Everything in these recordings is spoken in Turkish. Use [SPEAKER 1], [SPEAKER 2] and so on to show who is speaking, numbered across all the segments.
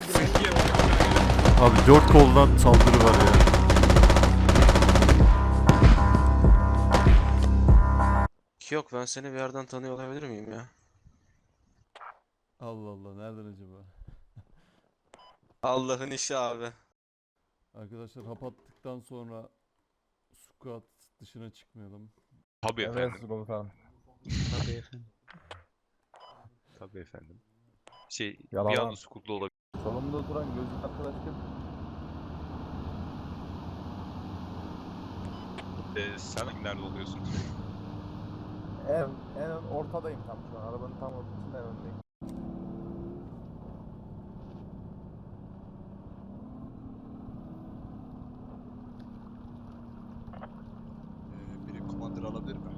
[SPEAKER 1] Abi 4 koldan saldırı var ya.
[SPEAKER 2] Yok, ben seni bir yerden tanıyor olabilir miyim ya?
[SPEAKER 1] Allah Allah, nereden acaba?
[SPEAKER 2] Allah'ın işi abi.
[SPEAKER 1] Arkadaşlar hap attıktan sonra squat dışına çıkmayalım.
[SPEAKER 3] Tabii
[SPEAKER 4] Evet
[SPEAKER 3] efendim.
[SPEAKER 4] komutanım.
[SPEAKER 2] Tabii efendim.
[SPEAKER 3] Tabii efendim. Bir
[SPEAKER 4] Yalan.
[SPEAKER 3] anda sukuklu olabilir.
[SPEAKER 4] Solumda oturan gözlük arkadaş kim?
[SPEAKER 3] Sen nerede oluyorsun?
[SPEAKER 4] En ortadayım tam şu an. Arabanın tam ortasında en öndeyim.
[SPEAKER 5] Biri komandır alabilir mi?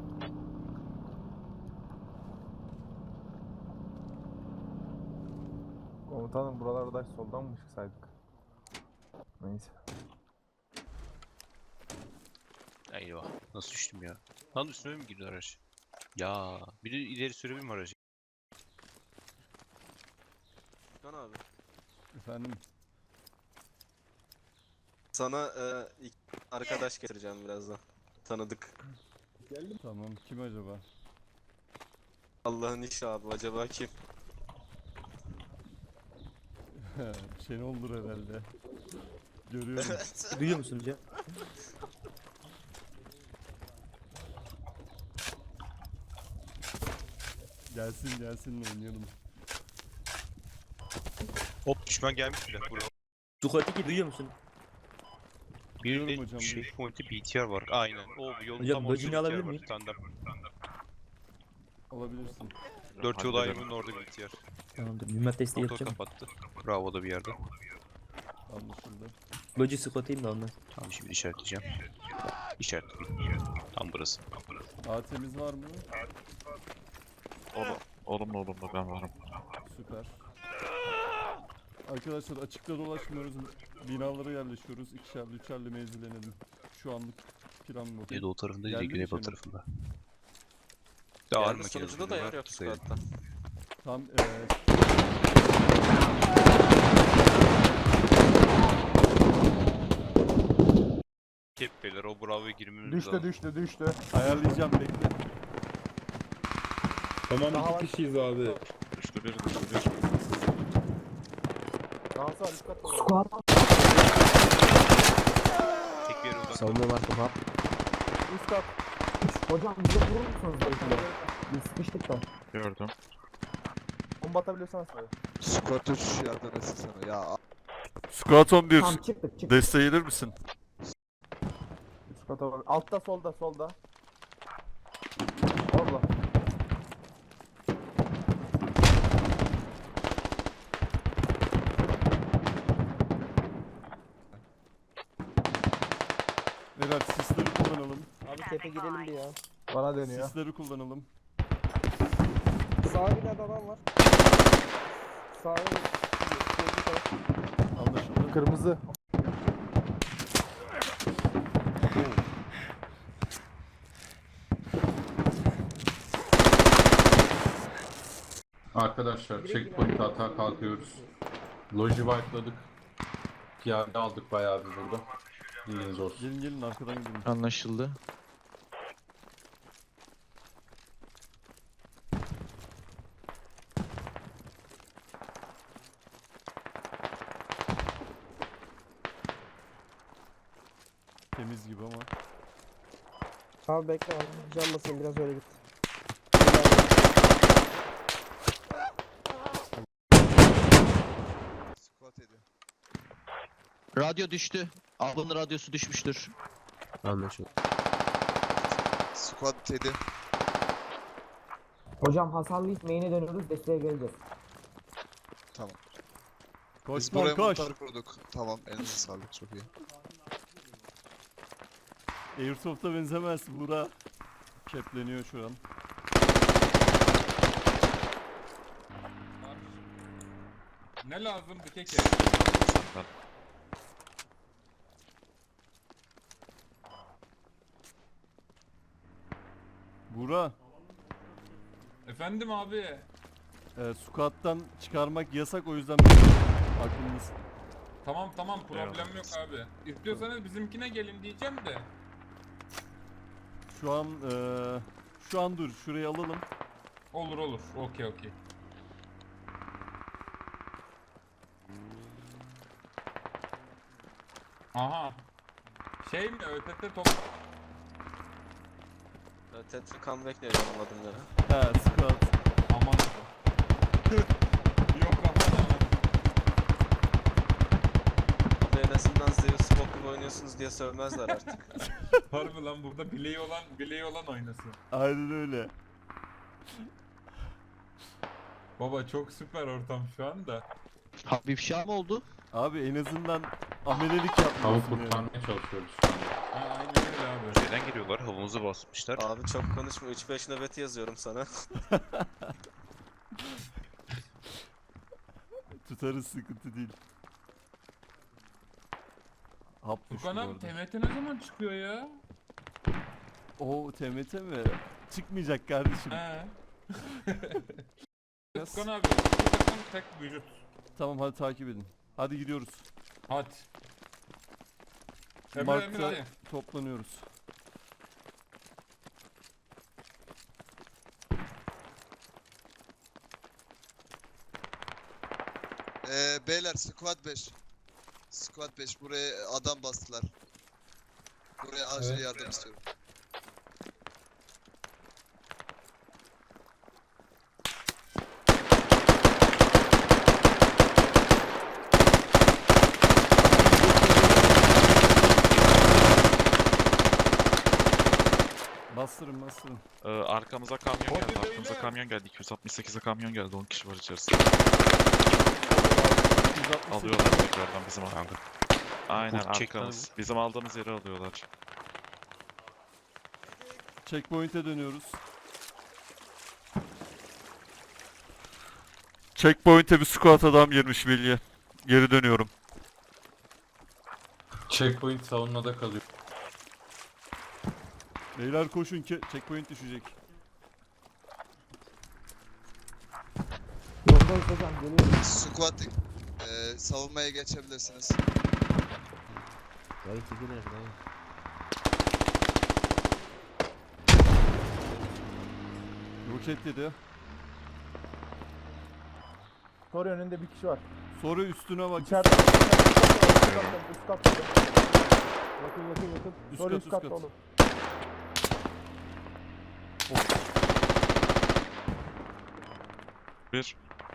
[SPEAKER 4] Komutanım buralarda soldan mı çıksaydık? Neyse.
[SPEAKER 3] Eyvah. Nasıl düştüm ya? Lan üstüme mi girdi araç? Ya biri ileri sürebilir mi aracı?
[SPEAKER 2] Kan abi.
[SPEAKER 1] Efendim,
[SPEAKER 2] Sana ilk arkadaş getireceğim birazdan. Tanıdık.
[SPEAKER 1] tamam, kim acaba?
[SPEAKER 2] Allah'ın işi abi, acaba kim?
[SPEAKER 1] Şenol'dur herhalde. Görüyorum.
[SPEAKER 6] Duyuyor musunuz ya?
[SPEAKER 1] Gelsin oynayalım.
[SPEAKER 3] Hop düşman gelmiş bile buraya.
[SPEAKER 6] Sukatiki duyuyor musun?
[SPEAKER 1] Duyuyorum
[SPEAKER 3] Bir de
[SPEAKER 1] hocam,
[SPEAKER 3] şey pointi BTR var. Aynen. O yolun
[SPEAKER 6] Hocam,
[SPEAKER 3] tam
[SPEAKER 6] bacını
[SPEAKER 3] ortasında
[SPEAKER 6] alabilir
[SPEAKER 3] BTR var.
[SPEAKER 6] miyim?
[SPEAKER 3] Tandem.
[SPEAKER 1] Alabilirsin.
[SPEAKER 3] 4 yol ayrımının orada BTR.
[SPEAKER 6] Tamamdır. Mühimmat desteği
[SPEAKER 3] Motor
[SPEAKER 6] yapacağım.
[SPEAKER 3] kapattı. Bravo da bir yerde.
[SPEAKER 1] Anlaşıldı.
[SPEAKER 6] Loji squat'ayım da ondan.
[SPEAKER 3] Tamam şimdi işaretleyeceğim. İşaretledim. Tam burası.
[SPEAKER 1] AT'miz var mı?
[SPEAKER 5] Olumlu ben varım.
[SPEAKER 1] Süper. Arkadaşlar açıkta dolaşmıyoruz. Binalara yerleşiyoruz. İkişerli, üçerli mevzilenelim. Şu anlık plan bu.
[SPEAKER 3] Güneydoğu tarafında değil de
[SPEAKER 1] Geldi mi
[SPEAKER 3] güneybatı
[SPEAKER 1] Şenol?
[SPEAKER 3] tarafında. Ağır
[SPEAKER 2] Geldi,
[SPEAKER 3] makine
[SPEAKER 2] sunucuda da yer yok squad'da.
[SPEAKER 1] Tam
[SPEAKER 3] Keppeler o bravo'ya girmemiz
[SPEAKER 4] Düştü.
[SPEAKER 1] ayarlayacağım, bekle.
[SPEAKER 7] Tamam
[SPEAKER 4] Daha
[SPEAKER 7] iki
[SPEAKER 4] var.
[SPEAKER 7] kişiyiz abi.
[SPEAKER 5] Düştü bir.
[SPEAKER 4] Daha sağ üst katta.
[SPEAKER 3] Tek bir yere uzak.
[SPEAKER 6] Savunma var kafa.
[SPEAKER 4] Üst kat.
[SPEAKER 8] Hocam bize vurur musunuz belki de? Biz sıkıştık da.
[SPEAKER 5] Gördüm.
[SPEAKER 4] Bomba atabiliyorsan söyle.
[SPEAKER 5] Squat 3 yardım etsin sana. Ya
[SPEAKER 1] Squat 11.
[SPEAKER 8] Tamam çıktık.
[SPEAKER 1] Desteğe gelir misin?
[SPEAKER 4] Üst kata var. Altta solda. Orada.
[SPEAKER 1] Evet, sisleri kullanalım.
[SPEAKER 8] Abi tepe girelim bir ya.
[SPEAKER 4] Bana dönüyor.
[SPEAKER 1] Sisleri kullanalım.
[SPEAKER 8] Sağ binada adam var. Sağ
[SPEAKER 1] Anlaşıldı.
[SPEAKER 4] Kırmızı.
[SPEAKER 9] Arkadaşlar checkpoint hata kalkıyoruz. Loji wipe'ladık. Piyade aldık bayağı bir burada. Bilginiz olsun.
[SPEAKER 1] Gelin arkadan gidelim.
[SPEAKER 5] anlaşıldı.
[SPEAKER 1] Temiz gibi ama.
[SPEAKER 8] Abi bekle abi. Can basayım biraz öyle git.
[SPEAKER 5] Squat ediyor.
[SPEAKER 10] Radyo düştü. Ablanın radyosu düşmüştür.
[SPEAKER 6] Anlaşıldı.
[SPEAKER 5] Squat 7.
[SPEAKER 8] Hocam hasarlıyız main'e dönüyoruz desteğe geleceğiz.
[SPEAKER 5] Tamam.
[SPEAKER 1] Koş
[SPEAKER 5] Biz buraya
[SPEAKER 1] koş.
[SPEAKER 5] montar kurduk. Tamam, elinize sağlık, çok iyi.
[SPEAKER 1] Airsoft'a benzemez Buğra. Kepleniyor şu an.
[SPEAKER 7] Ne lazım bir keke?
[SPEAKER 1] Buğra,
[SPEAKER 7] Efendim abi.
[SPEAKER 1] squat'tan çıkarmak yasak, o yüzden Aklımız.
[SPEAKER 7] Tamam problem
[SPEAKER 3] Eyvallah.
[SPEAKER 7] yok abi. İstiyorsanız bizimkine gelin diyeceğim de.
[SPEAKER 1] Şu an dur. Şurayı alalım.
[SPEAKER 7] Olur. Okey. Aha. Şey mi? ÖTT top...
[SPEAKER 2] Tetra comeback ne benim adım ya?
[SPEAKER 1] He squat.
[SPEAKER 7] Aman. Yok aman.
[SPEAKER 2] Abi en azından Zeus Spock gibi oynuyorsunuz diye sövmezler artık.
[SPEAKER 7] Harbi lan burada bileği olan oynasın.
[SPEAKER 1] Aynen öyle.
[SPEAKER 7] Baba çok süper ortam şu anda.
[SPEAKER 10] Bir ifşa mı oldu?
[SPEAKER 1] Abi en azından amelelik
[SPEAKER 9] Tavuğu
[SPEAKER 1] yapmıyorsun yani.
[SPEAKER 9] kurtarmaya çalışıyoruz şu anda.
[SPEAKER 7] Ha, aynen öyle abi.
[SPEAKER 3] Neden geliyorlar? Havamızı basmışlar.
[SPEAKER 2] Abi çok konuşma 3-5 nöbeti yazıyorum sana.
[SPEAKER 1] Tutarız, sıkıntı değil. Hap düştü
[SPEAKER 7] Tukan
[SPEAKER 1] bu
[SPEAKER 7] abi
[SPEAKER 1] arada.
[SPEAKER 7] TMT ne zaman çıkıyor ya?
[SPEAKER 1] Oo TMT mi? Çıkmayacak kardeşim.
[SPEAKER 7] He.
[SPEAKER 1] Biraz-
[SPEAKER 7] Tukan abi bu takım tek vücut.
[SPEAKER 1] Tamam hadi takip edin. Hadi gidiyoruz.
[SPEAKER 7] Hadi. Emre
[SPEAKER 1] Mark'ta
[SPEAKER 7] hadi.
[SPEAKER 1] toplanıyoruz.
[SPEAKER 5] Beyler squad 5. Squad 5 buraya adam bastılar. Buraya acil
[SPEAKER 7] Evet.
[SPEAKER 5] yardım istiyorum.
[SPEAKER 1] Bastırın.
[SPEAKER 11] Arkamıza kamyon
[SPEAKER 7] Hadi
[SPEAKER 11] geldi.
[SPEAKER 7] beyler.
[SPEAKER 11] Arkamıza kamyon geldi. 268'e kamyon geldi. 10 kişi var içerisinde.
[SPEAKER 1] 168.
[SPEAKER 11] Alıyorlar tekrardan bizim alanda. Aynen
[SPEAKER 3] Kurt çekti
[SPEAKER 11] arkamız. Bizim aldığımız yeri alıyorlar.
[SPEAKER 1] Checkpoint'e dönüyoruz. Checkpoint'e bir squat adam girmiş bilye. Geri dönüyorum.
[SPEAKER 9] Checkpoint savunmada kalıyor.
[SPEAKER 1] Beyler koşun ki checkpoint düşecek.
[SPEAKER 8] Yoldayız hocam geliyoruz.
[SPEAKER 5] Squad savunmaya geçebilirsiniz.
[SPEAKER 6] Dayı çekilir dayı.
[SPEAKER 1] Roket yedi.
[SPEAKER 4] Sonra önünde bir kişi var.
[SPEAKER 1] Sonra üstüne bak.
[SPEAKER 4] İçeride. Üst katta. Yakın.
[SPEAKER 1] Üst
[SPEAKER 4] Sonra
[SPEAKER 1] kat,
[SPEAKER 4] üst
[SPEAKER 1] üst
[SPEAKER 4] katta
[SPEAKER 1] kat.
[SPEAKER 4] oğlum.
[SPEAKER 11] Bir.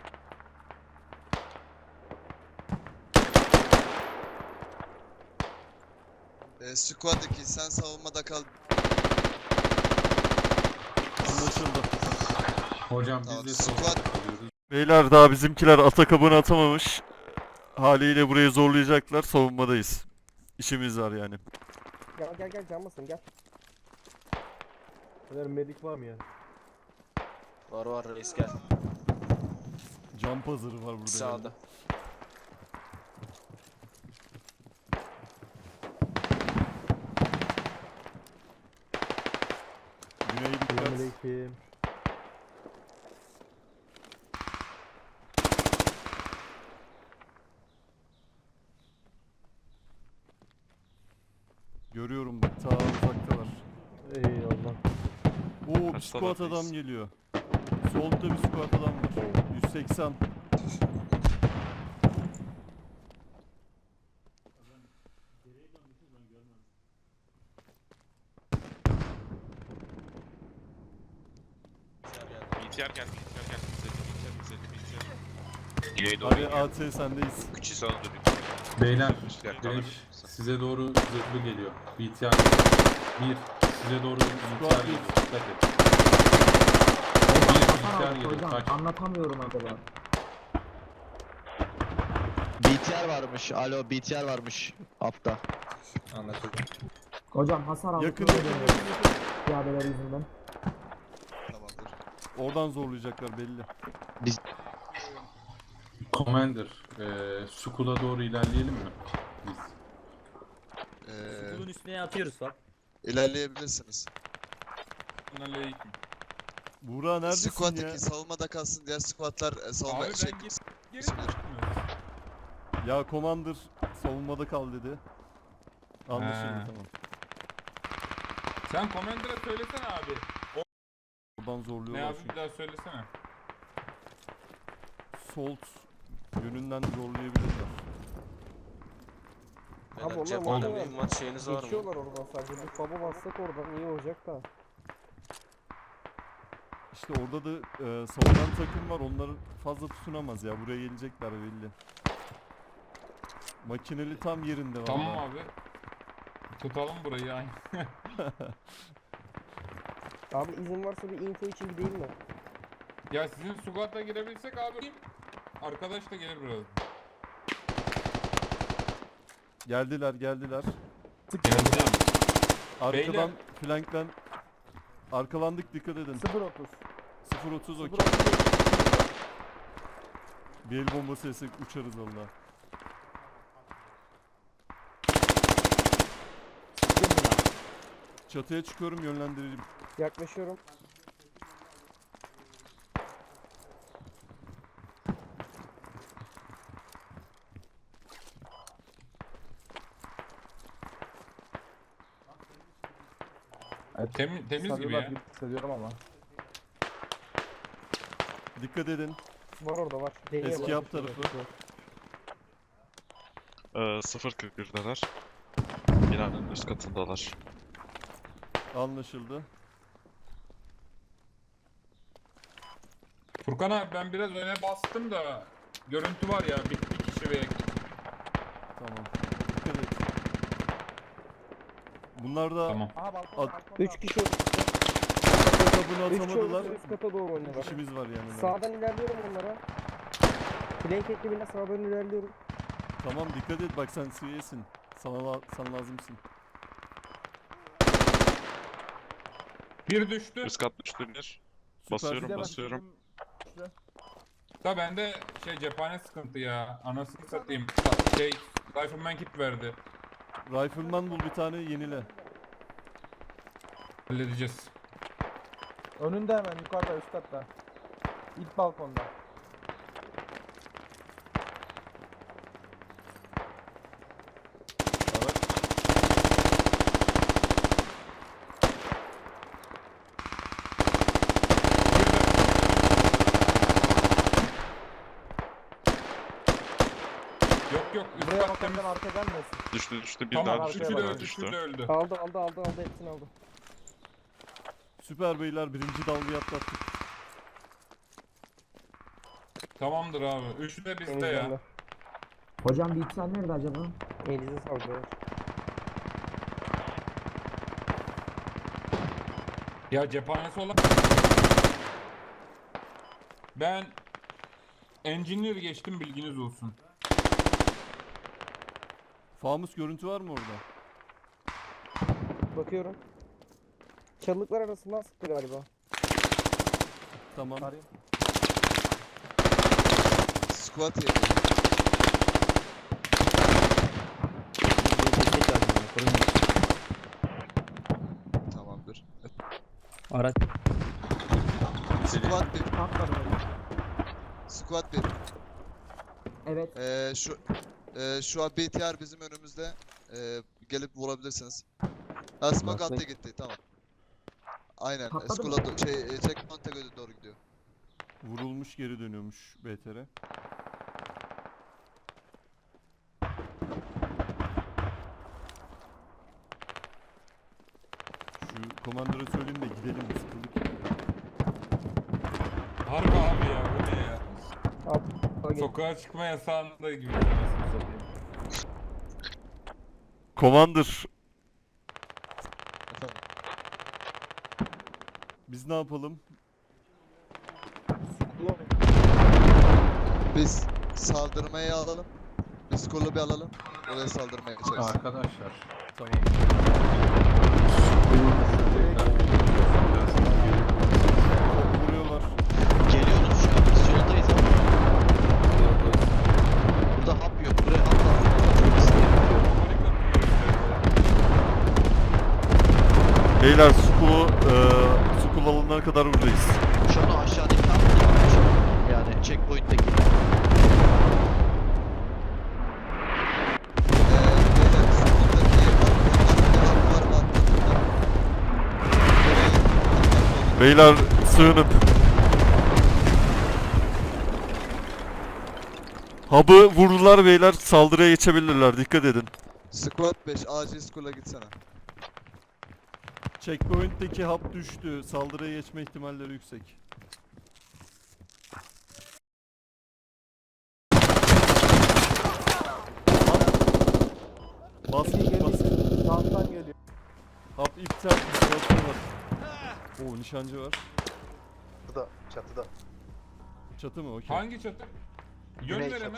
[SPEAKER 5] Squad 2 sen savunmada kal.
[SPEAKER 1] Anlaşıldı.
[SPEAKER 9] Hocam
[SPEAKER 5] Tamam,
[SPEAKER 9] biz de
[SPEAKER 5] squad-
[SPEAKER 9] savunmada kalıyoruz.
[SPEAKER 1] Beyler daha bizimkiler atakabını atamamış. Haliyle burayı zorlayacaklar. Savunmadayız. İşimiz var yani.
[SPEAKER 4] Gel canmasın gel. Beyler medik var mı ya?
[SPEAKER 2] Var reis gel.
[SPEAKER 1] Jump hazırı var burada.
[SPEAKER 2] Sağda.
[SPEAKER 1] yani. Güney dikkat.
[SPEAKER 4] Selamünaleyküm.
[SPEAKER 1] Görüyorum bak ta uzaktalar.
[SPEAKER 4] Eyvallah.
[SPEAKER 1] Oo bir
[SPEAKER 11] Kaç
[SPEAKER 1] squat
[SPEAKER 11] taraftayız?
[SPEAKER 1] adam geliyor. Solda bir squat adam var. 180.
[SPEAKER 11] BTR geldi. BTR geldi.
[SPEAKER 3] İleri doğru
[SPEAKER 1] Hadi
[SPEAKER 3] iniyor.
[SPEAKER 1] AT sendeyiz.
[SPEAKER 3] Küçü sana dönüyor.
[SPEAKER 9] Beyler,
[SPEAKER 3] Üstler
[SPEAKER 9] Güneş
[SPEAKER 3] kalır.
[SPEAKER 9] size doğru zırhlı geliyor. BTR. Bir. Size doğru BTR geliyor. Dikkat et. Bir BTR geliyor.
[SPEAKER 8] Hocam
[SPEAKER 9] Kaç.
[SPEAKER 8] anlatamıyorum acaba.
[SPEAKER 10] BTR varmış. Alo BTR varmış. Altta.
[SPEAKER 9] Anlaşıldı.
[SPEAKER 8] Hocam hasar aldık.
[SPEAKER 1] Yakın
[SPEAKER 8] öyle
[SPEAKER 1] yakın
[SPEAKER 8] dönüyoruz.
[SPEAKER 1] yakın yakın.
[SPEAKER 8] Piyadeler yüzünden.
[SPEAKER 5] Tamamdır.
[SPEAKER 1] Oradan zorlayacaklar belli.
[SPEAKER 9] Commander, Skull'a doğru ilerleyelim mi? Biz.
[SPEAKER 6] Bunun üstüne atıyoruz bak.
[SPEAKER 5] İlerleyebilirsiniz.
[SPEAKER 7] Aleyküm.
[SPEAKER 1] Buğra neredesin
[SPEAKER 5] Squad
[SPEAKER 1] ya?
[SPEAKER 5] 2 savunmada kalsın diğer squadlar
[SPEAKER 7] Abi
[SPEAKER 5] savunma
[SPEAKER 7] ben
[SPEAKER 5] şey
[SPEAKER 7] geri
[SPEAKER 5] Bismillah.
[SPEAKER 7] çıkmıyorum.
[SPEAKER 1] Ya Commander savunmada kal dedi. Anlaşıldı
[SPEAKER 7] He.
[SPEAKER 1] tamam.
[SPEAKER 7] Sen Commander'a söylesene abi.
[SPEAKER 1] Buradan
[SPEAKER 7] Ne
[SPEAKER 1] zorluyorlar
[SPEAKER 7] abi
[SPEAKER 1] çünkü.
[SPEAKER 7] bir daha söylesene.
[SPEAKER 1] Salt yönünden zorlayabilirler.
[SPEAKER 4] Abi
[SPEAKER 2] Beyler
[SPEAKER 4] onlar
[SPEAKER 2] cepheden
[SPEAKER 4] muhtemelen
[SPEAKER 2] mühimmat şeyiniz var mı?
[SPEAKER 4] Geçiyorlar oradan sadece. Bir baba bassak oradan iyi olacak da.
[SPEAKER 1] İşte orada da savunan takım var. Onları fazla tutunamaz ya. Buraya gelecekler belli. Makineli tam yerinde var.
[SPEAKER 7] Tamam abi. Tutalım burayı aynı.
[SPEAKER 4] Abi izin varsa bir info için gideyim mi?
[SPEAKER 7] Ya sizin squad'a girebilsek abi. Arkadaş da gelir biraz.
[SPEAKER 1] Geldiler.
[SPEAKER 7] Geldi.
[SPEAKER 1] Arkadan
[SPEAKER 7] Beyler.
[SPEAKER 1] flankten arkalandık, dikkat edin.
[SPEAKER 4] 0.30.
[SPEAKER 1] 0.30 okey.
[SPEAKER 4] 0.30.
[SPEAKER 1] Bir el bombası yesek uçarız valla. Çatıya çıkıyorum, yönlendireceğim.
[SPEAKER 4] Yaklaşıyorum.
[SPEAKER 7] Temiz gibi
[SPEAKER 4] Sarıyorlar
[SPEAKER 7] ya.
[SPEAKER 4] gibi hissediyorum ama.
[SPEAKER 1] Dikkat edin.
[SPEAKER 4] Var orada var. Deniyor
[SPEAKER 1] Eski
[SPEAKER 4] bak.
[SPEAKER 1] yap tarafı.
[SPEAKER 11] 0.41'deler. Binanın üst katındalar.
[SPEAKER 1] Anlaşıldı.
[SPEAKER 7] Furkan abi ben biraz öne bastım da görüntü var ya bir kişi ve
[SPEAKER 1] Tamam. Dikkat et. Bunlar da
[SPEAKER 7] tamam.
[SPEAKER 4] Aha balkon.
[SPEAKER 1] At-
[SPEAKER 4] 3 kişi oldu.
[SPEAKER 1] kabını
[SPEAKER 4] 3 kişi
[SPEAKER 1] atamadılar.
[SPEAKER 4] oldu. Üst kata doğru oynuyorlar.
[SPEAKER 1] İşimiz var yani.
[SPEAKER 4] Sağdan ilerliyorum onlara. Flank ekibine sağdan ilerliyorum.
[SPEAKER 1] Tamam, dikkat et, bak sen CV'sin. Sana lazımsın.
[SPEAKER 7] Bir düştü.
[SPEAKER 11] Üst kat düştü bir.
[SPEAKER 1] Süper.
[SPEAKER 11] Basıyorum basıyorum.
[SPEAKER 7] Da bende cephane sıkıntı ya. Anasını satayım. Rifleman kit verdi.
[SPEAKER 1] Rifleman bul bir tane, yenile.
[SPEAKER 7] Halledeceğiz.
[SPEAKER 4] Önünde hemen yukarıda üst katta. İlk balkonda.
[SPEAKER 1] Araç.
[SPEAKER 7] Yok üst
[SPEAKER 4] Buraya
[SPEAKER 7] kat temiz.
[SPEAKER 4] bakarken arka gelmesin.
[SPEAKER 11] Düştü bir
[SPEAKER 7] Tamam
[SPEAKER 11] daha düştü.
[SPEAKER 7] üçü de
[SPEAKER 11] Bir daha
[SPEAKER 7] öldü. Üçü de
[SPEAKER 11] düştü.
[SPEAKER 7] öldü.
[SPEAKER 4] Aldı hepsini aldı.
[SPEAKER 1] Süper beyler, birinci dalgayı atlattık.
[SPEAKER 7] Tamamdır abi. Üçü de bizde ya.
[SPEAKER 4] Temizlendi.
[SPEAKER 8] Hocam bir sen nerede acaba?
[SPEAKER 4] Elinize sağlık. beyler.
[SPEAKER 7] Ya cephanesi olan... Ben engineer geçtim, bilginiz olsun.
[SPEAKER 1] Famus görüntü var mı orada?
[SPEAKER 4] Bakıyorum. Çalılıklar arasından sıktı galiba.
[SPEAKER 1] Tamam.
[SPEAKER 4] Arayayım.
[SPEAKER 5] Squad yedi.
[SPEAKER 6] Destek lazım bana, koruyun.
[SPEAKER 5] Tamamdır.
[SPEAKER 6] Araç.
[SPEAKER 5] Squad 1.
[SPEAKER 8] Patladı.
[SPEAKER 5] Squad 1.
[SPEAKER 8] Evet.
[SPEAKER 5] Şu an BTR bizim önümüzde. Gelip vurabilirsiniz. Smoke
[SPEAKER 6] Nasıl?
[SPEAKER 5] altta gitti, tamam. Aynen.
[SPEAKER 8] Patladı mı?
[SPEAKER 5] Skula checkpoint'e doğru gidiyor.
[SPEAKER 1] Vurulmuş, geri dönüyormuş BTR. Şu komandöre söyleyeyim de gidelim, sıkıldık.
[SPEAKER 7] Harbi abi ya, bu ne ya?
[SPEAKER 4] Abi,
[SPEAKER 7] Sokağa çıkma yasağında gibi. Anasını satayım.
[SPEAKER 1] Commander,
[SPEAKER 5] Efendim.
[SPEAKER 1] biz ne yapalım?
[SPEAKER 5] Biz saldırmayı alalım. Biz kolu bir alalım. Oraya saldırmaya geçeriz.
[SPEAKER 9] Arkadaşlar.
[SPEAKER 1] Tamam. Vuruyorlar.
[SPEAKER 10] Geliyoruz şu an. Biz yoldayız ama. Burada hap yok. Buraya hap lazım. Çok istedim.
[SPEAKER 1] Beyler, Skul alanına kadar buradayız.
[SPEAKER 10] Şu an o aşağıdaki hap değil. Yani checkpoint'teki.
[SPEAKER 1] Beyler sığınıp. Hub'ı vurdular beyler, saldırıya geçebilirler, dikkat edin.
[SPEAKER 5] Squad 5 acil school'a gitsene.
[SPEAKER 1] Checkpoint'teki hub düştü, saldırıya geçme ihtimalleri yüksek. Bas bas.
[SPEAKER 4] Sağdan geliyor.
[SPEAKER 1] Hub iptal, istilasyon var. Oo, nişancı var.
[SPEAKER 10] Çatıda.
[SPEAKER 1] Çatı mı? Okey.
[SPEAKER 7] Hangi çatı? Yön
[SPEAKER 10] Güney
[SPEAKER 7] ver
[SPEAKER 10] çatı.
[SPEAKER 7] hemen.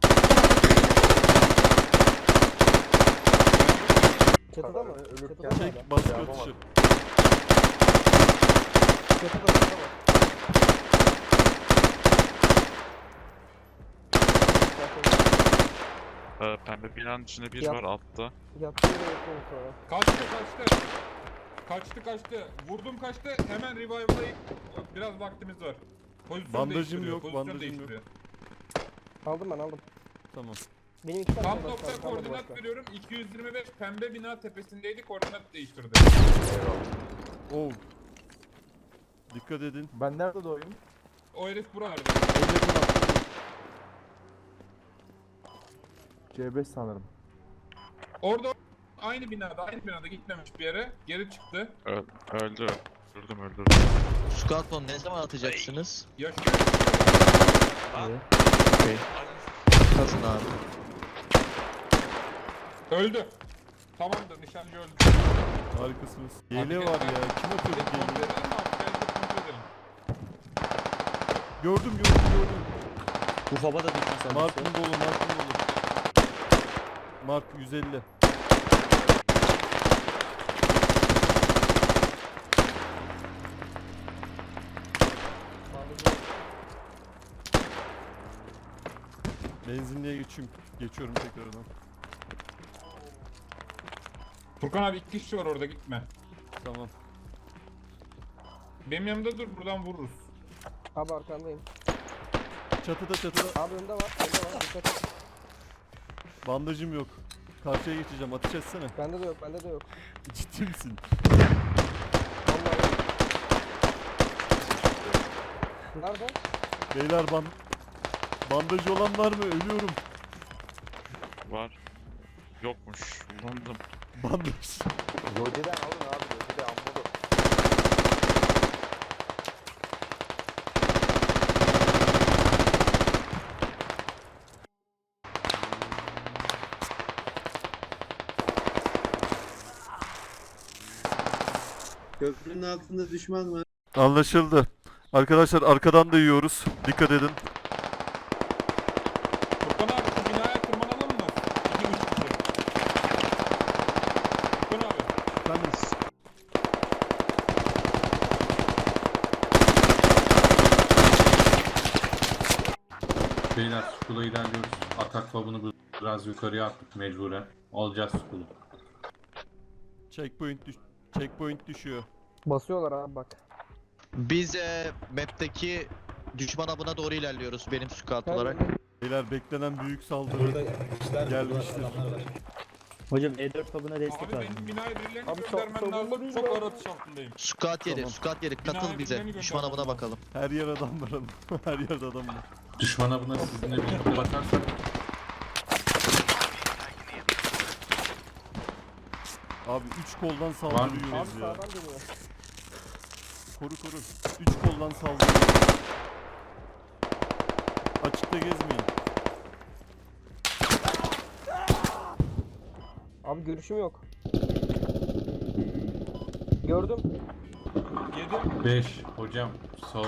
[SPEAKER 4] Çatıda mı? Çatıda mı?
[SPEAKER 1] Çek, baskı atışı.
[SPEAKER 4] Çatıda mı?
[SPEAKER 11] Pembe binanın içinde bir
[SPEAKER 4] Yap.
[SPEAKER 11] var altta.
[SPEAKER 4] Yattı yere yakın sonra.
[SPEAKER 7] Kaçtı. Vurdum kaçtı. Hemen revive'layıp biraz vaktimiz var. Pozisyon
[SPEAKER 1] Bandajım
[SPEAKER 7] değiştiriyor,
[SPEAKER 1] yok,
[SPEAKER 7] pozisyon
[SPEAKER 1] bandajım
[SPEAKER 7] değiştiriyor.
[SPEAKER 4] Aldım ben aldım.
[SPEAKER 1] Tamam.
[SPEAKER 4] Benim iki tane
[SPEAKER 7] Tam
[SPEAKER 4] var,
[SPEAKER 7] nokta
[SPEAKER 4] kalmadı
[SPEAKER 7] koordinat
[SPEAKER 4] başka.
[SPEAKER 7] veriyorum. 225 pembe bina tepesindeydi. Koordinat değiştirdi.
[SPEAKER 1] Oo. Dikkat edin.
[SPEAKER 4] Ben nerede doğayım?
[SPEAKER 7] O herif buralarda.
[SPEAKER 4] C5 sanırım.
[SPEAKER 7] Orada aynı binada gitmemiş bir yere. Geri çıktı.
[SPEAKER 11] Öldü. Öldürdüm.
[SPEAKER 10] Squadron ne zaman atacaksınız?
[SPEAKER 7] Yaşıyor.
[SPEAKER 10] Okey. Kazın abi.
[SPEAKER 7] Öldü. Tamamdır, nişancı öldü.
[SPEAKER 1] Harikasınız. Yele var ya. Kim atıyor bu
[SPEAKER 7] Kontrol
[SPEAKER 1] yeleği?
[SPEAKER 7] edelim mi abi? Gel kontrol edelim.
[SPEAKER 1] Gördüm.
[SPEAKER 6] Bu faba da düşmüş
[SPEAKER 1] Mark'ın dolu. Mark 150. Benzinliğe geçiyorum tekrardan.
[SPEAKER 7] Furkan abi 2 kişi var orada, gitme.
[SPEAKER 1] Tamam.
[SPEAKER 7] Benim yanımda dur, buradan vururuz.
[SPEAKER 4] Abi arkandayım.
[SPEAKER 1] Çatıda.
[SPEAKER 4] Abi önde var. Dikkat et.
[SPEAKER 1] Bandajım yok. Karşıya geçeceğim. Ateş etsene.
[SPEAKER 4] Bende de yok.
[SPEAKER 1] Ciddi misin?
[SPEAKER 4] Vallahi. Nerede?
[SPEAKER 1] Beyler bandajı olan var mı? Ölüyorum.
[SPEAKER 11] Var. Yokmuş. Kullandım.
[SPEAKER 1] Bandaj.
[SPEAKER 10] Lodiden alın abi. Lodiden ammodu.
[SPEAKER 8] Köprünün altında düşman var.
[SPEAKER 1] Anlaşıldı. Arkadaşlar arkadan da yiyoruz. Dikkat edin.
[SPEAKER 7] Furkan abi şu binaya tırmanalım mı? 2-3 kişi. Furkan abi.
[SPEAKER 1] Efendim?
[SPEAKER 9] Beyler Skull'a ilerliyoruz. Atak fabını biraz yukarıya attık mecburen. Alacağız Skull'u.
[SPEAKER 1] Checkpoint düşüyor.
[SPEAKER 4] Basıyorlar abi bak.
[SPEAKER 10] Biz map'teki düşman avına doğru ilerliyoruz benim squad olarak.
[SPEAKER 1] Beyler beklenen büyük saldırı gelmiştir.
[SPEAKER 6] Hocam E4 fabına destek
[SPEAKER 7] Abi
[SPEAKER 6] lazım.
[SPEAKER 7] benim binaya birilerini
[SPEAKER 4] Abi
[SPEAKER 7] göndermen
[SPEAKER 4] savunma
[SPEAKER 7] lazım.
[SPEAKER 4] değil
[SPEAKER 7] Çok
[SPEAKER 4] mi?
[SPEAKER 7] ağır atış altındayım.
[SPEAKER 10] Squad yeri,
[SPEAKER 1] Tamam.
[SPEAKER 10] squad yeri katıl
[SPEAKER 7] Binaya
[SPEAKER 10] bize.
[SPEAKER 7] birilerini
[SPEAKER 10] Düşman avına
[SPEAKER 7] göndermem
[SPEAKER 10] bakalım.
[SPEAKER 1] Her yer adam var. Her yerde adam var.
[SPEAKER 9] Düşman avına sizinle birlikte bakarsak
[SPEAKER 1] Abi 3 koldan
[SPEAKER 9] Var mı?
[SPEAKER 1] saldırıyoruz
[SPEAKER 4] Abi
[SPEAKER 1] ya.
[SPEAKER 4] sağdan dönüyor.
[SPEAKER 1] Koru. 3 koldan saldırıyoruz. Açıkta gezmeyin.
[SPEAKER 4] Abi görüşüm yok. Gördüm.
[SPEAKER 7] 7.
[SPEAKER 9] 5 hocam sol.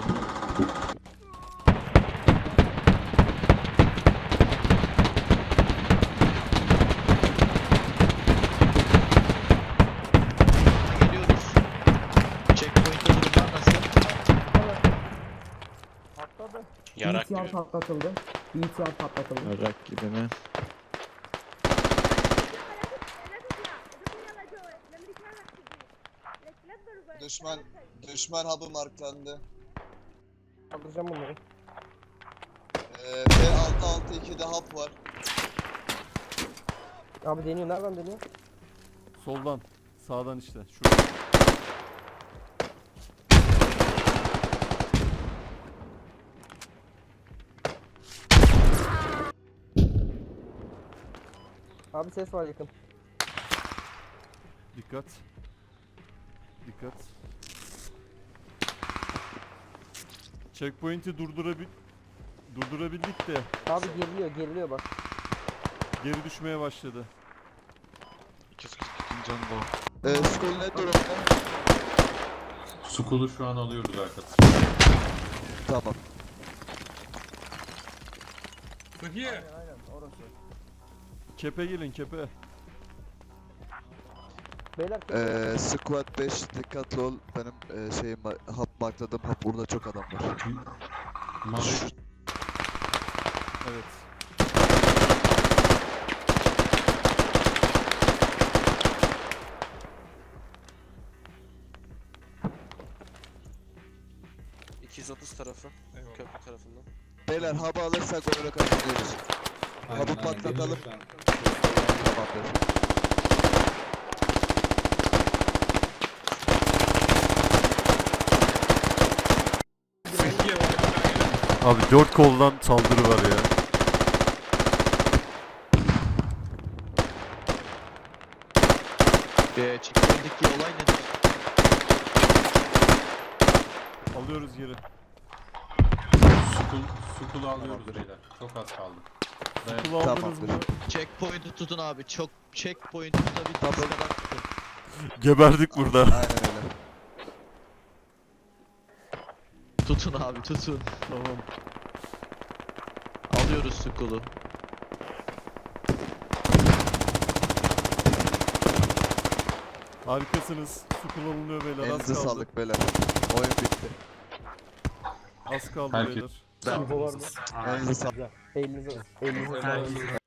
[SPEAKER 10] Geliyoruz. Checkpoint'te durumlar nasıl?
[SPEAKER 4] Atladı.
[SPEAKER 3] Yarak gibi.
[SPEAKER 8] patlatıldı. BTR patlatıldı.
[SPEAKER 10] Merak gibi mi?
[SPEAKER 5] Düşman hub'ı marklandı.
[SPEAKER 4] Kaldıracağım bunları.
[SPEAKER 5] P662'de hub var.
[SPEAKER 4] Abi deniyor. Nereden deniyor?
[SPEAKER 1] Soldan. Sağdan işte. Şurada.
[SPEAKER 8] Abi ses var yakın.
[SPEAKER 1] Dikkat. Dikkat. Checkpoint'i durdurabildik de
[SPEAKER 8] Abi geriliyor bak.
[SPEAKER 1] geri düşmeye başladı.
[SPEAKER 11] 242 canı da.
[SPEAKER 5] Skol ne durumda?
[SPEAKER 9] Skull'u şu an alıyoruz arkadaşlar.
[SPEAKER 5] Tamam.
[SPEAKER 7] Sıhhiye.
[SPEAKER 4] Aynen orası.
[SPEAKER 1] Kepe gelin kepe.
[SPEAKER 8] Beyler
[SPEAKER 5] Squad 5 dikkatli ol. Benim hap markladım. Hap burada çok adam var.
[SPEAKER 9] Mavi
[SPEAKER 1] Evet.
[SPEAKER 2] ...230 tarafı.
[SPEAKER 7] Eyvallah.
[SPEAKER 2] Köprü tarafından.
[SPEAKER 5] Beyler hapı alırsak onu kazanıyoruz. Hapı patlatalım. Tamamdır.
[SPEAKER 7] Sıhhiye var.
[SPEAKER 1] Abi 4 koldan saldırı var ya.
[SPEAKER 10] Checkpoint'teki olay nedir?
[SPEAKER 1] Alıyoruz geri.
[SPEAKER 9] Skull'u alıyoruz beyler. Çok az kaldı.
[SPEAKER 1] Kulu aldınız
[SPEAKER 5] Tamamdır.
[SPEAKER 1] mı?
[SPEAKER 10] Checkpoint'i tutun abi. Çok checkpoint'i tutabildiğiniz
[SPEAKER 5] Tamam.
[SPEAKER 10] kadar tutun.
[SPEAKER 1] Geberdik burada.
[SPEAKER 5] Aynen öyle.
[SPEAKER 10] Tutun abi tutun.
[SPEAKER 1] Tamam.
[SPEAKER 10] Alıyoruz Skull'u.
[SPEAKER 1] Harikasınız. Su kullanılıyor beyler. Az
[SPEAKER 5] Elinize
[SPEAKER 1] kaldı.
[SPEAKER 5] sağlık beyler. Oyun bitti.
[SPEAKER 1] Az kaldı
[SPEAKER 9] Herkes-
[SPEAKER 1] beyler.
[SPEAKER 8] info var mı?
[SPEAKER 5] Elinize sağlık.
[SPEAKER 8] Elinize sağlık.